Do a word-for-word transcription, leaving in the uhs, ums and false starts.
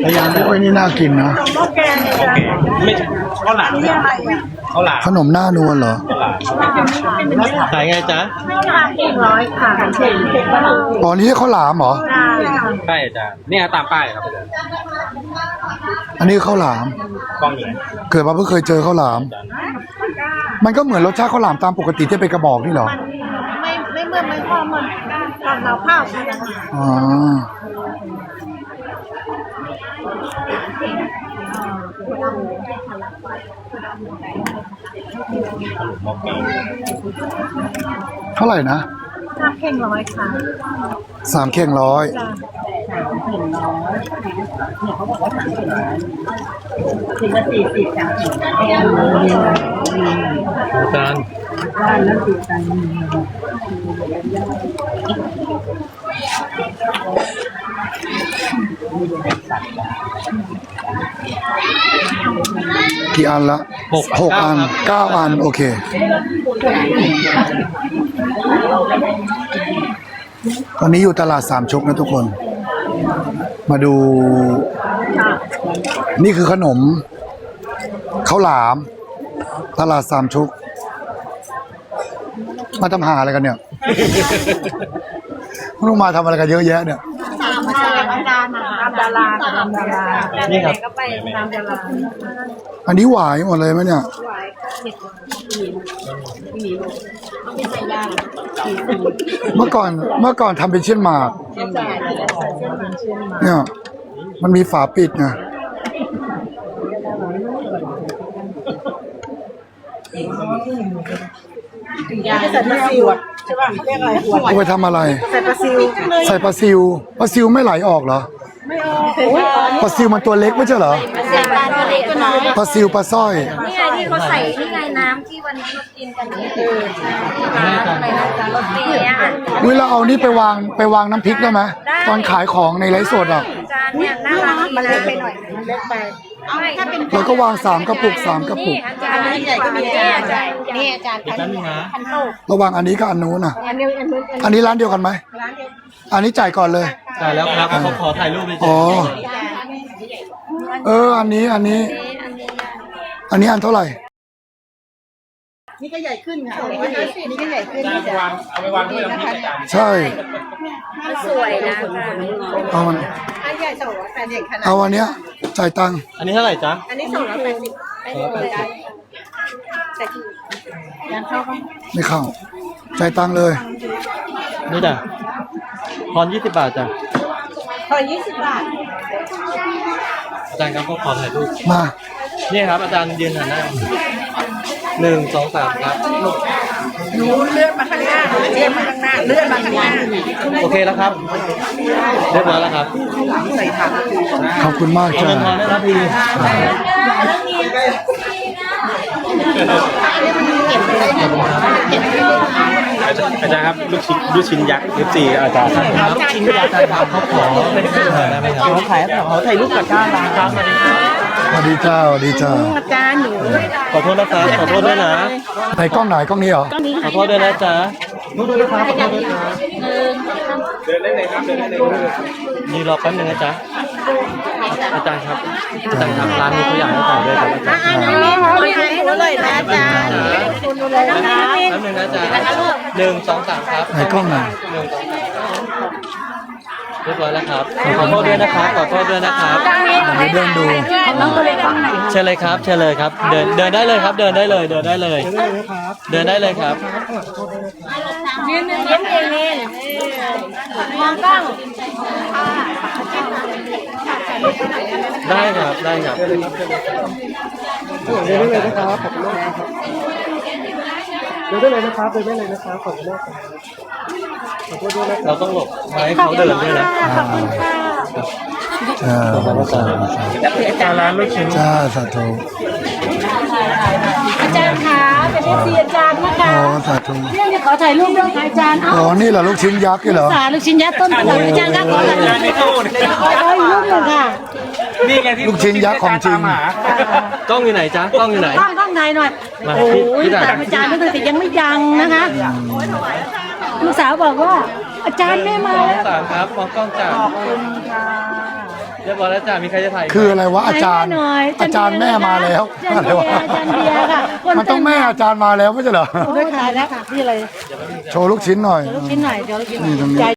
พยายามไม่ค่อยนี่น่ากินนะไม่ข้าวหลามข้าวหลามขนมหน้านวลเหรอขายไงจ๊ะข้าวหลามเองร้อยค่ะอ๋อนี่ข้าวหลามเหรอใช่จ้ะเนี่ยตามป้ายครับอันนี้ข้าวหลามกล้องอยู่เกิดมาเพิ่งเคยเจอข้าวหลามมันก็เหมือนรสชาติข้าวหลามตามปกติที่เป็นกระบอกนี่เหรอไม่ไม่เหมือนไม่พอเหมือนตอนเราข้าวอ๋อเท่าไหร่นะสามเข่งร้อยค่ะสามเข่งร้อยสามเข่งร้อยเนี่ยเขาบอกว่าสามเข่งร้อยถึงละสี่สิบสามสิบอาจารย์ร้านแล้วติดกันกี่อันละหกหกอันเก้าอันโอเคตอนนี้อยู่ตลาดสามชุกนะทุกคนมาดูนี่คือขนมข้าวหลามตลาดสามชุกมาทำหาอะไรกันเนี่ยไม่รู้มาทำอะไรกันเยอะแยะเนี่ยตามดาราตามดาราตามดารานี่ครับก็ไปตามดาราอันนี้หวายหมดเลยไหมเนี่ยเมื่อก่อนเมื่อก่อนทำเป็นเช่นหมากเนี่ยมันมีฝาปิดไงใส่ปลาซิวใช่ป่ะเรียกอะไรเอาไปทำอะไรใส่ปลาซิวใส่ปลาซิวปลาซิวไม่ไหลออกเหรอไม่ออกปลาซิวมันตัวเล็กไม่ใช่เหรอปลาตัวเล็กก็น้อยปลาซิวปลาสร้อยนี่ไงที่เขาใส่นี่ไงน้ำที่วันนี้เรากินกันนี่คือไปนะจ๊ะรถเมย์อ่ะเวลาเอานี่ไปวางไปวางน้ำพริกได้ไหมตอนขายของในไลฟ์สดอ่ะจานเนี่ยน่ารักมันเล็กไปหน่อยมันเล็กไปเราก็วางสามกระปุกสามกระปุกอาจารย์ใหญ่ก็มีอาจารย์นี่อาจารย์พันพันโตระวังอันนี้กับอันนู้นน่ะอันนี้อันนู้นอันนี้ร้านเดียวกันไหมร้านเดียวอันนี้จ่ายก่อนเลยจ่ายแล้วครับเขาขอถ่ายรูปไปอ๋อเอออันนี้อันนี้อันนี้อันเท่าไหร่นี่ก็ใหญ่ขึ้นค่ะนี่ก็ใหญ่ขึ้นนี่จะวางเอาไปวางด้วยนะคะใช่สวยนะเอามันอันใหญ่สองร้อยแปดสิบขนาดเอาอันเนี้ยจ่ายตังค์อันนี้เท่าไหร่จ๊ะอันนี้สองร้อยแปดสิบไม่เลยได้แต่ที่ยังเข้าก็ไม่เข้าจ่ายตังค์เลยนี่จ้ะทอนยี่สิบบาทจ้ะทอนยี่สิบบาทอาจารย์ครับก็ขอถ่ายรูปมานี่ครับอาจารย์ยืนหันหน้าหนึ่งสองสามครับหนูเลื่อนมาข้างหน้าเลื่อนมาข้างหน้าเลื่อนมาข้างหน้าโอเคแล้วครับเรียบร้อยแล้วครับใส่ถังขอบคุณมากจ้าเงินทอนได้แล้วพี่อาจารย์ครับลูกชิ้นลูกชิ้นยักษ์เอฟซีอาจารย์ลูกชิ้นยักษ์อาจารย์เขาขอเป็นเพื่อนได้ไหมครับเขาถ่ายเขาถ่ายรูปกับจ้าร้านครับสวัสดีเจ้าสวัสดีเจ้าอาจารย์หนูขอโทษนะครับขอโทษด้วยนะในกล้องไหนกล้องนี้เหรอขอโทษด้วยนะจ๊ะนู่นด้วยนะครับขอโทษด้วยนะเดินได้เลยครับเดินได้เลยนี่รอแป๊บนึงนะจ๊ะอาจารย์ครับอาจารย์ครับร้านนี้เขาอยากให้ถ่ายด้วยแต่ว่าอันนี้ขอถ่ายให้เราเลยนะอาจารย์คุณดูเลยนะแป๊บนึงนะจ๊ะหนึ่งสองสามครับในกล้องไหนหนึ่งสองสามเรียบร้อยแล้วครับขอโทษด้วยนะครับขอโทษด้วยนะครับเดินดูเชิญเลยครับเชิญเลยครับเดินเดินได้เลยครับเดินได้เลยเดินได้เลยเดินได้เลยครับยืนยืนเองนี่มองกล้องได้ครับได้ครับเดินได้เลยนะครับขอบคุณมากเดินได้เลยนะครับเดินได้เลยนะครับขอบคุณมากเราต้องหลบให้เขาเดินด้วยนะจ้าอาจารย์ร้านลูกชิ้นจ้าสาธุอาจารย์คะเป็นเอฟซีอาจารย์นะคะอ๋อสาธุเรื่องจะขอถ่ายรูปด้วยค่ะอาจารย์อ๋อนี่เหรอลูกชิ้นยักษ์นี่เหรอสาลูกชิ้นยักษ์ต้นตลาดอาจารย์ก็ขอถ่ายรูปขอถ่ายรูปหนึ่งค่ะนี่ไงที่ลูกชิ้นยักษ์ของจริงกล้องอยู่ไหนจ๊ะกล้องอยู่ไหนกล้องกล้องถ่ายหน่อยโอ้ยแต่อาจารย์ไม่เคยแต่ยังไม่ดังนะคะลูกสาวบอกว่าอาจารย์ไม่มาแล้วสามครับมองกล้องจ้าขอบคุณค่ะเรียบร้อยแล้วจ้ะมีใครจะถ่ายคืออะไรวะอาจารย์ อาจารย์แม่มาแล้วอาจารย์เบียร์อาจารย์เบียร์ค่ะมันต้องแม่อาจารย์มาแล้วไม่ใช่เหรอด้วยค่ะแล้วค่ะนี่อะไรโชว์ลูกชิ้นหน่อยลูกชิ้นหน่อยเดี๋ยวเรากินนี่ตรงนี้ใจ